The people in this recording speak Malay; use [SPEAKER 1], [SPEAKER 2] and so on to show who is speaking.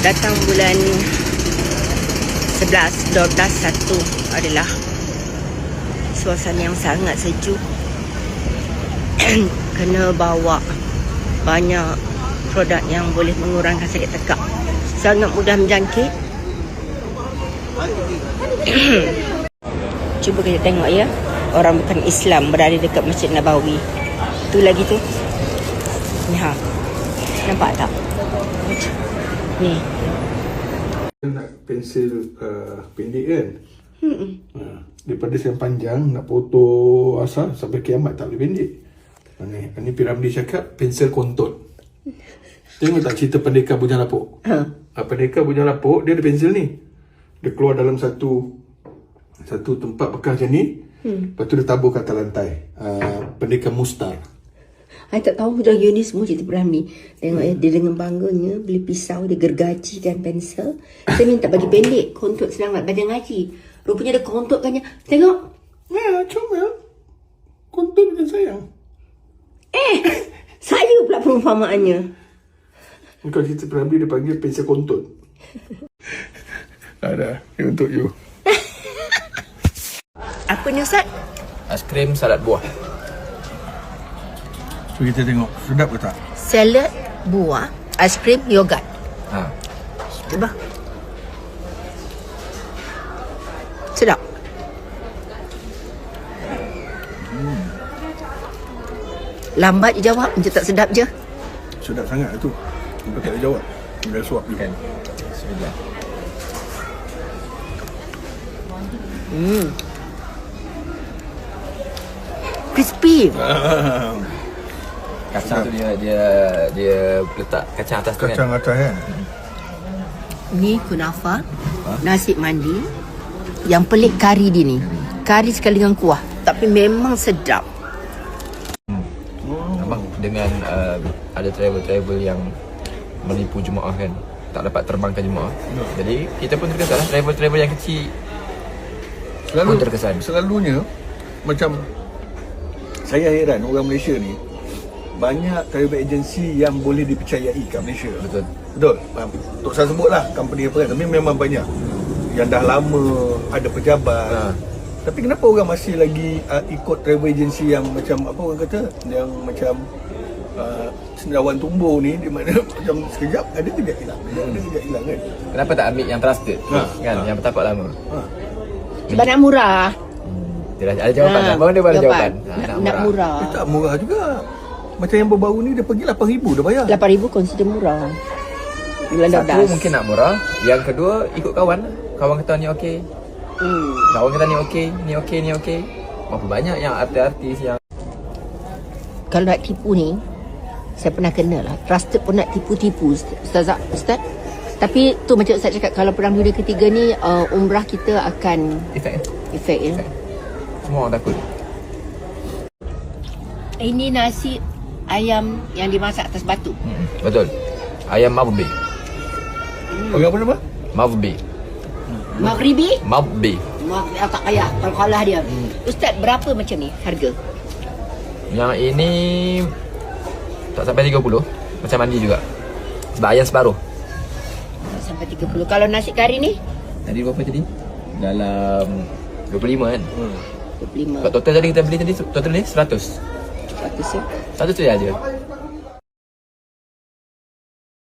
[SPEAKER 1] datang bulan 11, 12, 1 adalah suasana yang sangat sejuk. Kena bawa banyak produk yang boleh mengurangkan sakit tekak. Sangat mudah menjangkit. Cuba kita tengok ya, orang bukan Islam berada dekat Masjid Nabawi. Tu lagi tu. Ni ha. Nampak tak? Ni.
[SPEAKER 2] Nak pensel pendek kan? Daripada yang panjang nak foto asal sampai kiamat tak boleh pendek. Ni Piramli cakap pensel kontot. Tengok tak cerita Pendekar Bujang Lapuk? Pendekar Bujang Lapuk dia ada pensel ni. Dia keluar dalam satu tempat bekas macam ni. Lepas tu dia tabur kat atas lantai. Pendekar Mustar.
[SPEAKER 1] I tak tahu dah ni semua cerita Piramli. Tengok ya, dia dengan bangganya beli pisau, dia gergajikan pensel. Saya minta bagi pendek, kontot senang nak baca ngaji. Rupanya dia kontotkannya. Tengok.
[SPEAKER 2] Ya, comel. Kontot macam sayang.
[SPEAKER 1] Saya pula perumpamaannya.
[SPEAKER 2] Kalau cerita Piramli dia panggil pensel kontot. Ada, ni untuk you.
[SPEAKER 1] Apa ni Ustaz?
[SPEAKER 3] Aiskrim salad buah.
[SPEAKER 2] So kita tengok, sedap ke tak?
[SPEAKER 1] Salad buah, aiskrim, yogurt. Cuba. Sedap. Lambat je jawab, macam tak sedap je.
[SPEAKER 2] Sedap sangat tu. Nampak tak ada jawab. Dah suap you.
[SPEAKER 3] Kan. Bismillah.
[SPEAKER 1] Crispy.
[SPEAKER 3] Kacang tu dia letak kacang atas tu kan.
[SPEAKER 2] Kacang atas kan?
[SPEAKER 1] Ni kunafa, nasi mandi. Yang pelik kari dia ni. Kari sekali dengan kuah, tapi memang sedap.
[SPEAKER 3] Abang dengan ada travel yang menipu jemaah kan, tak dapat terbangkan jemaah. Jadi kita pun terkesan lah, travel yang kecil pun terkesan.
[SPEAKER 2] Selalunya macam saya heran orang Malaysia ni banyak travel agency yang boleh dipercayai kat Malaysia. Betul. Untuk saya sebutlah company apa kan, tapi memang banyak yang dah lama ada pejabat. Tapi kenapa orang masih lagi ikut travel agency yang macam apa orang kata, yang macam cendawan tumbuh ni, di mana macam sekejap ada kejap hilang, kan?
[SPEAKER 3] Kenapa tak ambil yang trusted kan, yang bertapak lama?
[SPEAKER 1] Sebab nak murah.
[SPEAKER 3] Dia dah ada jawapan. Abang dia ada jawapan.
[SPEAKER 1] Nak murah.
[SPEAKER 2] Tak murah juga. Macam yang baru-baru ni dia pergi 8,000 dah bayar.
[SPEAKER 1] 8,000 consider murah. Bulan 12.
[SPEAKER 3] Satu mungkin nak murah, yang kedua ikut kawan. Kawan kata ni okey. Kawan kata ni okey, ni okey, ni okey. Berapa banyak yang artis-artis yang
[SPEAKER 1] Kalau nak tipu ni, saya pernah kena lah. Trusted pun nak tipu-tipu Ustaz. Tapi tu macam Ustaz cakap, kalau perang dunia ketiga ni umrah kita akan efek ya.
[SPEAKER 3] Semua orang takut.
[SPEAKER 1] Ini nasi ayam yang dimasak atas batu.
[SPEAKER 3] Betul. Ayam mabbi.
[SPEAKER 2] Orang apa nama?
[SPEAKER 3] Mabbi.
[SPEAKER 1] Maghribi?
[SPEAKER 3] Mabbi.
[SPEAKER 1] Tak payah kalau kalah dia. Ustaz, berapa macam ni harga?
[SPEAKER 3] Yang ini tak sampai 30. Macam mandi juga. Sebab ayam separuh.
[SPEAKER 1] Sampai 30. Kalau nasi kari ni?
[SPEAKER 3] Tadi berapa tadi? Dalam 25 kan?
[SPEAKER 1] 25.
[SPEAKER 3] Total tadi kita beli tadi, total ni 100.
[SPEAKER 1] 100 ya?
[SPEAKER 3] 100 je aja.